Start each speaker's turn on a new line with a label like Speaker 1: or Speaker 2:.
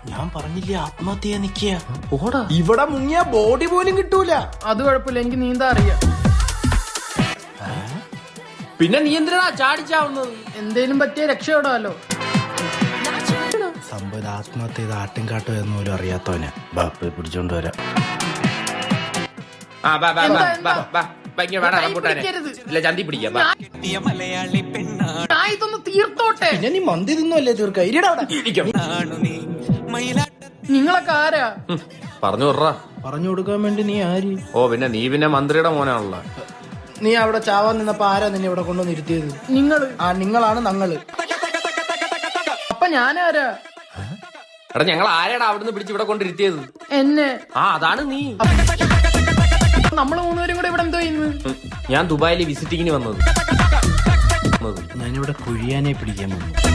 Speaker 1: ഞാൻ പറഞ്ഞില്ലേ ആത്മഹത്യ നിക്കുക.
Speaker 2: ഓടാ,
Speaker 1: ഇവിടെ മുങ്ങിയ ബോഡി പോലും കിട്ടൂല.
Speaker 2: അത് കുഴപ്പമില്ല, എനിക്ക് നീന്താ അറിയാം.
Speaker 3: പിന്നെ നീ എന്തിനാ ചാടിച്ചാവുന്നത്?
Speaker 2: എന്തേലും പറ്റിയ രക്ഷപ്പെടാമല്ലോ.
Speaker 1: സംഭവം ആത്മഹത്യ ചെയ്ത് ആട്ടും കാട്ടും എന്ന് പോലും അറിയാത്തവനെ ബാപ്പ പിടിച്ചോണ്ട് വരാം.
Speaker 3: ചന്തി പിടിക്കാം.
Speaker 2: ഞാൻ ഇതൊന്ന് തീർത്തോട്ടെ.
Speaker 1: പിന്നെ നീ മന്തി തിന്നുമല്ലേ തീർക്ക.
Speaker 2: നിങ്ങളൊക്കെ ആരാ?
Speaker 3: പറഞ്ഞു വിട്രാ.
Speaker 1: പറഞ്ഞു കൊടുക്കാൻ വേണ്ടി നീ ആര്?
Speaker 3: ഓ പിന്നെ നീ പിന്നെ മന്ത്രിയുടെ മോനാണല്ലോ.
Speaker 1: നീ അവിടെ ചാവാൻ നിന്നപ്പോ ആരാ നിന്നെ ഇവിടെ കൊണ്ടുവന്ന് ഇരുത്തിയത്?
Speaker 2: നിങ്ങള്.
Speaker 1: ആ നിങ്ങളാണ് ഞങ്ങള്.
Speaker 2: അപ്പൊ ഞാനാരാ?
Speaker 3: എടാ ഞങ്ങൾ ആരാടാ അവിടുന്ന് പിടിച്ച് ഇവിടെ കൊണ്ടിരുത്തിയത്?
Speaker 2: എന്നെ.
Speaker 3: ആ അതാണ് നീ.
Speaker 2: നമ്മള് മൂന്നുപേരും കൂടെ ഇവിടെ എന്തോ ചെയ്യുന്നു?
Speaker 3: ഞാൻ ദുബായില് വിസിറ്റിങ്ങിന് വന്നത്.
Speaker 1: ഞാനിവിടെ കുഴിയാനെ പിടിക്കാൻ വന്നു.